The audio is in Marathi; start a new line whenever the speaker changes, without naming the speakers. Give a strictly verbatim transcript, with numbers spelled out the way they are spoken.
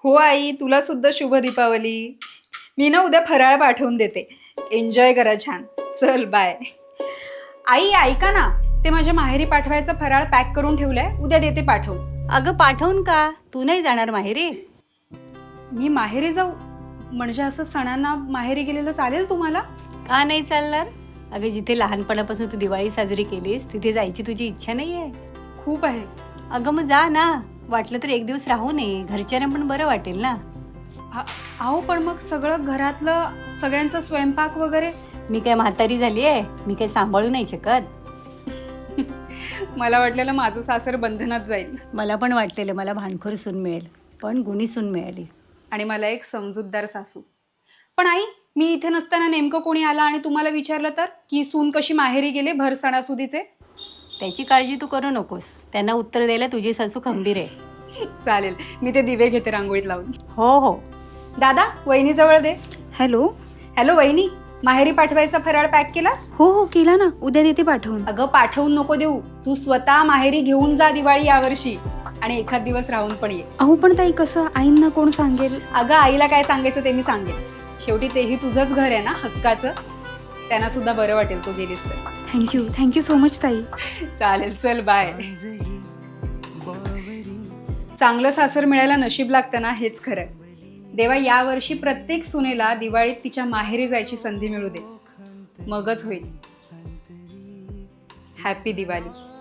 हो आई, तुला सुद्धा शुभ दीपावली. मी ना उद्या फराळ पाठवून देते. एन्जॉय करा छान. चल बाय. आई ऐका ना, ते माझ्या माहेरी पाठवायचं फराळ पॅक करून ठेवलंय, उद्या देते पाठवून.
अगं पाठवून का? तू नाही जाणार माहेरी?
मी माहेरी जाऊ म्हणजे असं सणांना माहेरी गेलेलं चालेल तुम्हाला?
का नाही चालणार? अगं जिथे लहानपणापासून तू दिवाळी साजरी केलीस तिथे जायची तुझी इच्छा नाहीये?
खूप आहे.
अगं मग जा ना, वाटलं तर एक दिवस राहू नये, घरच्यांना पण बरं वाटेल ना.
आ- अहो पण मग सगळं घरातलं सगळ्यांचा स्वयंपाक वगैरे.
मी काय म्हातारी झाली आहे? मी काय सांभाळू नाही शकत?
मला वाटलेलं माझं सासर बंधनात जाईल
मला पण वाटलेलं मला भांडखोर सून मिळेल, पण गुणी सून मिळाली.
आणि मला एक समजूतदार सासू. पण आई, मी इथे नसताना नेमकं कोणी आला आणि तुम्हाला विचारलं तर की सून कशी माहेरी गेले भर सणासुदीचे?
त्याची काळजी तू करू नकोस, त्यांना उत्तर द्यायला तुझी सासू खंबीर आहे.
चालेल, मी ते दिवे घेते रांगोळीत लावून.
हो हो.
दादा, वहिनीजवळ दे.
हॅलो.
हॅलो वहिनी, माहेरी पाठवायचा फराळ पॅक केलास?
हो हो केला ना, उद्या देते पाठवून.
अगं पाठवून नको देऊ, तू स्वतः माहेरी घेऊन जा दिवाळी यावर्षी आणि एखाद दिवस राहून पण ये.
अहो पण ताई कसं, आईंना कोण सांगेल?
अगं आईला काय सांगायचं ते मी सांगेन. शेवटी तेही तुझंच घर आहे ना हक्काचं, त्यांना सुद्धा बरं वाटेल तू गेलीस तर.
थँक्यू थँक्यू सो मच ताई.
चालेल, चल बाय. चांगलं सासर मिळायला नशीब लागतं ना, हेच खरं. देवा यावर्षी प्रत्येक सुनेला दिवाळीत तिच्या माहेरी जायची संधी मिळू दे, मगच होईल. हॅपी दिवाळी.